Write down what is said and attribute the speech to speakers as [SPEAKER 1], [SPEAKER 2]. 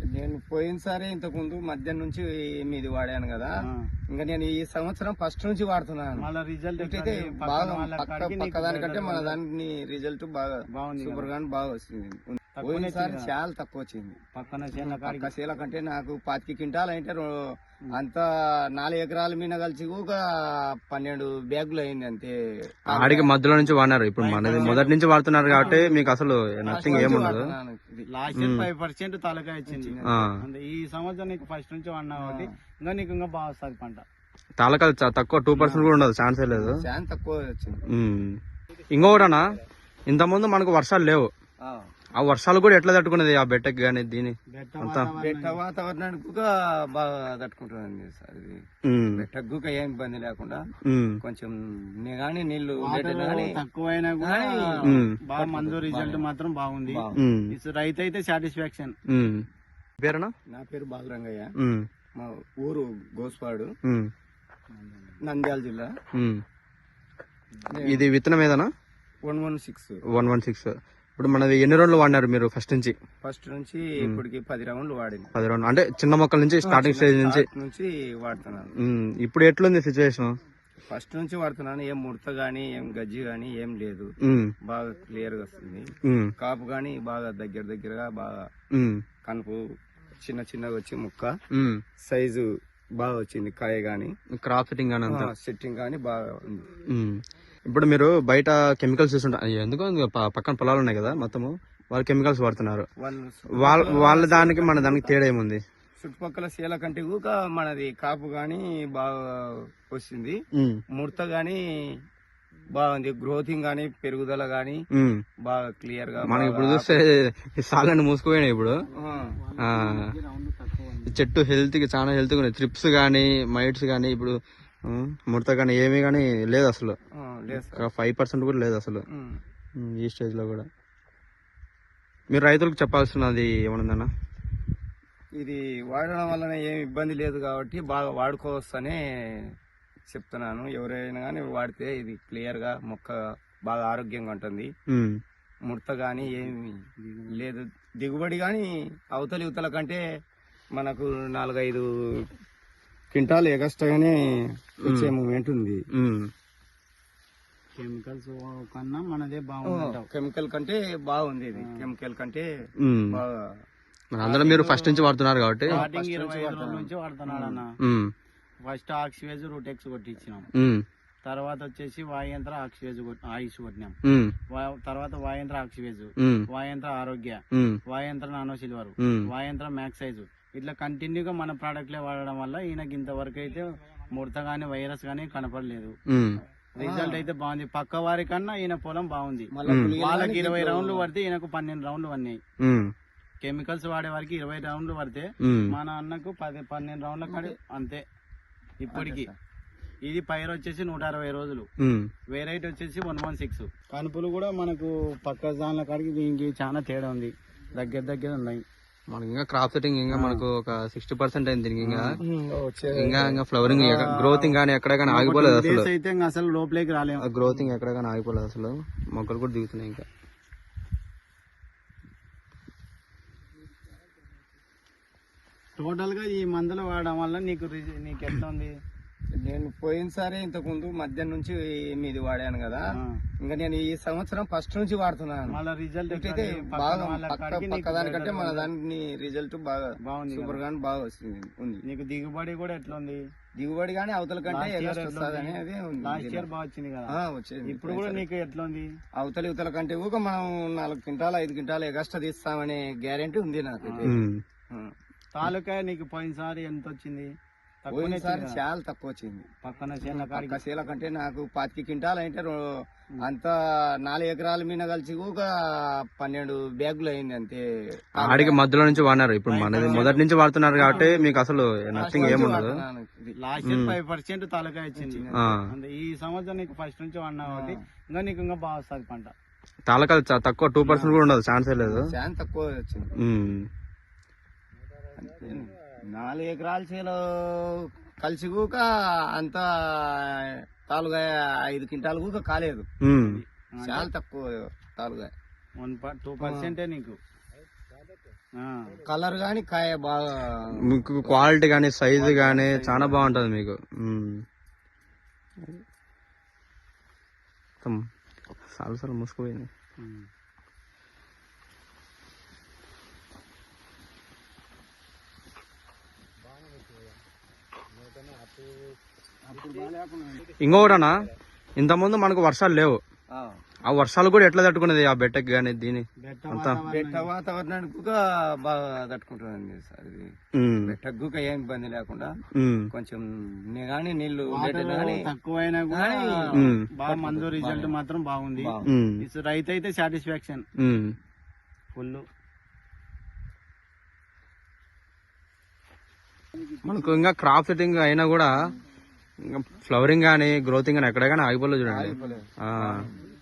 [SPEAKER 1] నేను పోయినసారి ఇంతకు ముందు మధ్యాహ్నం నుంచి మీది వాడాను కదా. ఇంకా నేను ఈ సంవత్సరం ఫస్ట్ నుంచి వాడుతున్నాను.
[SPEAKER 2] రిజల్ట్
[SPEAKER 1] అయితే బాగా పక్క దానికంటే మన దాని రిజల్ట్ బాగా సూపర్ గా బాగా వస్తుంది. పోయినసారి చాలా తక్కువ వచ్చింది. పక్క శీల కంటే నాకు 25 క్వింటాలు అంటే అంత 4 ఎకరాల మీద కలిసి ఒక 12 బ్యాగులు అయింది అంతే.
[SPEAKER 3] ఆడికి మధ్యలో నుంచి వాడినారు. ఇప్పుడు మనది మొదటి నుంచి వాడుతున్నారు కాబట్టి మీకు అసలు నథింగ్ ఏముండదు.
[SPEAKER 2] లాస్ట్ ఇయర్ 5% తలకాయ వచ్చింది. ఈ సంవత్సరం నీకు ఫస్ట్ నుంచి వాడినా కాబట్టి ఇంకా నీకు ఇంకా బాగా వస్తుంది పంట.
[SPEAKER 3] తాలకాలు తక్కువ 2% కూడా ఉండదు, ఛాన్సే లేదు.
[SPEAKER 1] చాలా తక్కువ వచ్చింది.
[SPEAKER 3] ఇంకొకటనా, ఇంత ముందు మనకు వర్షాలు లేవు. ఆ వర్షాలు కూడా ఎట్లా తట్టుకునేది ఆ బెట్టకి గానీ దీని
[SPEAKER 1] బెట్ట వాతావరణానికి బాగా తట్టుకుంటుందండి సార్. ఇది బెట్టకు ఏం ఇబ్బంది లేకుండా కొంచెం గానీ నీళ్లు
[SPEAKER 2] తక్కువైనా కూడా బాగా మందు రిజల్ట్ మాత్రం బాగుంది. రైతు అయితే సాటిస్ఫాక్షన్.
[SPEAKER 3] పేరునా?
[SPEAKER 1] నా పేరు బాలరంగయ్య. మా ఊరు గోస్పాడు, నంద్యాల జిల్లా.
[SPEAKER 3] ఇది విత్తనం ఏదనా?
[SPEAKER 1] 116.
[SPEAKER 3] ఇప్పుడు మనది ఎన్ని రౌండ్లు వాడినారు మీరు ఫస్ట్ నుంచి?
[SPEAKER 1] ఫస్ట్ నుంచి ఇప్పటికి 10 రౌండ్లు వాడింది.
[SPEAKER 3] 10 రౌండ్లు అంటే చిన్న మొక్కల నుంచి స్టార్టింగ్ స్టేజ్ నుంచి
[SPEAKER 1] వాడుతున్నాను.
[SPEAKER 3] ఇప్పుడు ఎట్లుంది సిచ్యువేషన్?
[SPEAKER 1] ఫస్ట్ నుంచి వాడుతున్నాను. ఏం ముడత గానీ ఏం గజ్జి గానీ ఏం లేదు. బాగా క్లియర్ గా వస్తుంది. కాపు గానీ బాగా దగ్గరగా బాగా కనుపు చిన్న చిన్నగా వచ్చి ముక్క సైజు బాగా వచ్చింది. కాయ గానీ
[SPEAKER 3] క్రాప్
[SPEAKER 1] సెట్టింగ్ గానీ బాగా ఉంది.
[SPEAKER 3] ఇప్పుడు మీరు బయట కెమికల్స్ చూస్తుంటారు, ఎందుకో పక్కన పొలాలు ఉన్నాయి కదా మొత్తము, వాళ్ళు కెమికల్స్ వాడుతున్నారు. వాళ్ళ దానికి మన దానికి తేడా ఏముంది?
[SPEAKER 1] చుట్టుపక్కల శీల కంటే కూడా మనది కాపు గానీ బాగా వస్తుంది. ముడత గానీ బాగుంది. గ్రోతింగ్ గానీ పెరుగుదల గానీ బాగా క్లియర్ గా.
[SPEAKER 3] మనకి ఇప్పుడు చూస్తే సాలని మూసుకుపోయినాయి. ఇప్పుడు చెట్టు హెల్త్ కి చాలా హెల్త్ గా త్రిప్స్ గానీ మైట్స్ గానీ ఇప్పుడు ముడత కానీ ఏమీ కానీ లేదు అసలు. 5% కూడా లేదు అసలు ఈ స్టేజ్ లో కూడా. మీరు రైతులకు చెప్పాల్సినది ఏమన్నా?
[SPEAKER 1] ఇది వాడడం వలన ఏమి ఇబ్బంది లేదు కాబట్టి బాగా వాడుకోవచ్చనే చెప్తున్నాను. ఎవరైనా కానీ వాడితే ఇది క్లియర్ గా మొక్క బాగా ఆరోగ్యంగా ఉంటుంది. ముడత గానీ ఏమి లేదు. దిగుబడి గానీ అవతల కంటే మనకు 4-5 క్వింటాల్ ఎగస్ట్రాగానే వచ్చే మూమెంట్ ఉంది.
[SPEAKER 2] కెమికల్స్ కన్నా మనదే బాగుంది.
[SPEAKER 1] కెమికల్ కంటే బాగుంది. ఇది కెమికల్ కంటే బాగా.
[SPEAKER 3] అందరూ మీరు ఫస్ట్ నుంచి వాడుతున్నారు కాబట్టి.
[SPEAKER 2] 25 రోజుల నుంచి వాడుతున్నాడు అన్న. ఫస్ట్ ఆక్సివేజ్ రూటెక్స్ కొట్టించినాం. తర్వాత వచ్చేసి వాయంత్ర ఆయుష్ కొట్టినాం. తర్వాత వాయంత్ర ఆక్సివేజ్, వాయంత్ర ఆరోగ్య, వాయంత్ర నానో సిల్వర్, వాయంత్ర మ్యాక్సైజ్. ఇట్లా కంటిన్యూగా మన ప్రోడక్ట్లే వాడడం వల్ల ఈయనకి ఇంతవరకు అయితే ముడత గానీ వైరస్ గానీ కనపడలేదు. రిజల్ట్ అయితే బాగుంది. పక్క వారి కన్నా ఈయన పొలం బాగుంది. వాళ్ళకి 20 రౌండ్లు పడితే ఈయనకు 12 రౌండ్లు పడినాయి. కెమికల్స్ వాడే వారికి 20 రౌండ్లు పడితే మన అన్నకు 12 రౌండ్ల కాడి అంతే ఇప్పటికి. ఇది పైరు వచ్చేసి 160 రోజులు, వెరైటీ వచ్చేసి 116. కనుపులు కూడా మనకు పక్క దానిల కాడికి దీనికి చాలా తేడా ఉంది. దగ్గర ఉన్నాయి.
[SPEAKER 3] మనకి ఇంకా క్రాప్ సెట్టింగ్ ఇంకా మనకు ఒక 60% అయింది. ఇంకా ఫ్లవరింగ్ గ్రోతింగ్ కానీ ఎక్కడ కానీ ఆగిపోలేదు అసలు.
[SPEAKER 2] అయితే అసలు లోపలికి రాలేము.
[SPEAKER 3] గ్రోతింగ్ ఎక్కడ కానీ ఆగిపోలేదు అసలు. మొక్కలు కూడా దిగుతున్నాయి. ఇంకా
[SPEAKER 2] టోటల్ గా ఈ మందులు వాడడం వల్ల నీకు ఎట్లా ఉంది?
[SPEAKER 1] నేను పోయినసారి ఇంతకు ముందు మధ్యాహ్నం నుంచి మీది వాడాను కదా. ఇంకా నేను ఈ సంవత్సరం ఫస్ట్ నుంచి వాడుతున్నాను.
[SPEAKER 2] రిజల్ట్
[SPEAKER 1] అయితే బాగా పక్క దానికంటే మన దాని రిజల్ట్ బాగా సూపర్ గా బాగా వస్తుంది.
[SPEAKER 2] నీకు దిగుబడి కూడా ఎట్లా ఉంది?
[SPEAKER 1] దిగుబడి గానీ అవతల కంటే అనేది
[SPEAKER 2] లాస్ట్ ఇయర్ బాగా వచ్చింది కదా.
[SPEAKER 1] వచ్చేది.
[SPEAKER 2] ఇప్పుడు కూడా నీకు ఎట్లా ఉంది?
[SPEAKER 1] అవతల కంటే ఊక మనం 4 క్వింటాలు 5 క్వింటాలు ఎగస్ట్రా తీస్తామనే గ్యారెంటీ ఉంది నాకు.
[SPEAKER 2] తాలూకా నీకు పోయినసారి ఎంత వచ్చింది?
[SPEAKER 1] చాలా తక్కువ వచ్చింది.
[SPEAKER 2] పక్క
[SPEAKER 1] శీల కంటే నాకు 25 క్వింటాలు అంటే అంత 4 ఎకరాల మీద కలిసి ఒక 12 బ్యాగులు అయింది అంతే.
[SPEAKER 3] ఆడికి మధ్యలో నుంచి వాడినారు. ఇప్పుడు మనది మొదటి నుంచి వాడుతున్నారు కాబట్టి మీకు అసలు నథింగ్ ఏముండదు.
[SPEAKER 2] లాస్ట్ ఇయర్ 5% తలకాయ వచ్చింది. ఈ సంవత్సరం నీకు ఫస్ట్ నుంచి వాడినా కాబట్టి ఇంకా నీకు ఇంకా బాగా వస్తుంది పంట.
[SPEAKER 3] తాలకాలు తక్కువ 2% కూడా ఉండదు, ఛాన్సే లేదు.
[SPEAKER 1] చాలా తక్కువ వచ్చింది. 4 ఎకరాల చేలో కలిసి కూక అంత 4-5 క్వింటాలు కూక కాలేదు. చాలా తక్కువ తాలుగా
[SPEAKER 2] 2% నీకు
[SPEAKER 1] కలర్ గాని కాయ బాగా
[SPEAKER 3] మీకు క్వాలిటీ కానీ సైజు కానీ చాలా బాగుంటది మీకు. సాలు మూసుకుపోయింది. ఇంకొకటనా, ఇంతకుముందు మనకు వర్షాలు లేవు, ఆ వర్షాలు కూడా ఎట్లా తట్టుకునేది ఆ బెట్టకి కానీ దీని అంతా?
[SPEAKER 1] బెట్ట వాతావరణానికి బాగా తట్టుకుంటుందండి సార్ ఇది. బెట్టకు ఏం ఇబ్బంది లేకుండా కొంచెం కానీ నీళ్లు
[SPEAKER 2] తక్కువైనా కూడా బాగా మందు రిజల్ట్ మాత్రం బాగుంది. రైతు అయితే సాటిస్ఫాక్షన్ ఫుల్.
[SPEAKER 3] మనకు ఇంకా క్రాప్ సెట్టింగ్ అయినా కూడా ఫ్లవరింగ్ కానీ గ్రోతింగ్ కానీ ఎక్కడ కానీ ఆగిపోలేదు చూడండి.